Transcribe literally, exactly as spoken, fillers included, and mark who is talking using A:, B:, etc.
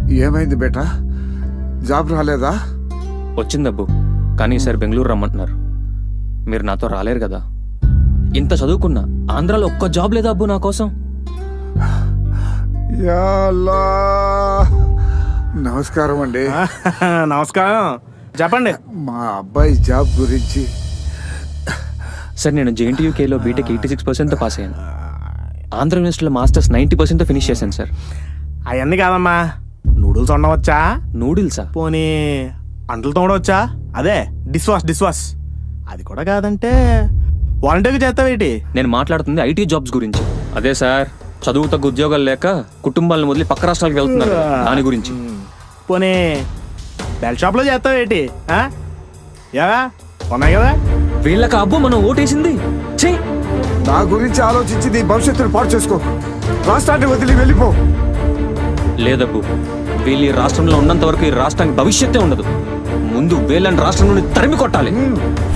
A: ఏమైంది బేటా? జాబ్ రాలేదా?
B: వచ్చిందబ్బు, కానీ ఈసారి బెంగళూరు రమ్మంటున్నారు. మీరు నాతో రాలేరు కదా. ఇంత చదువుకున్నా ఆంధ్రాలో ఒక్క జాబ్ లేదా అబ్బు నా కోసం?
A: యా అల్లా. నమస్కారం అండి.
C: నమస్కారం, చెప్పండి.
A: మా అబ్బాయి జాబ్ గురించి.
B: సార్, నేను జేఎన్టీయూకేలో బీటెక్ ఎయిటీ సిక్స్ పర్సెంట్తో పాస్ అయ్యాను. ఆంధ్ర యూనివర్సిటీలో మాస్టర్స్ నైంటీ పర్సెంట్తో ఫినిష్ చేశాను సార్.
C: అవన్నీ కాదమ్మా, నూడిల్స్ వండవచ్చా?
B: నూడిల్సా?
C: పోనీ అంటలు తోడవచ్చా? అదే డిష్ వాష్ డిష్ వాష్ అది కూడా కాదంటే వాలంటీర్గా చేస్తావేటి?
B: నేను మాట్లాడుతుంది ఐటీ జాబ్స్ గురించి. అదే సార్, చదువు తగ్గ ఉద్యోగాలు లేక కుటుంబాలను వదిలి పక్క రాష్ట్రాలకు వెళ్తున్నారు కదా, దాని గురించి.
C: పోనీ బెల్ షాప్లో చేస్తావేటి? ఏవా ఉన్నాయి కదా.
B: వీళ్ళకి అబ్బు మనం ఓటేసింది. ఛీ!
A: నా గురించి ఆలోచించి నీ భవిష్యత్తును పాడు చేసుకో. రాష్ట్రాన్ని వదిలి వెళ్ళిపో.
B: లేదబ్బు, వీళ్ళు ఈ రాష్ట్రంలో ఉన్నంత వరకు ఈ రాష్ట్రానికి భవిష్యత్తే ఉండదు. ముందు వీళ్ళని రాష్ట్రం నుండి తరిమి కొట్టాలి.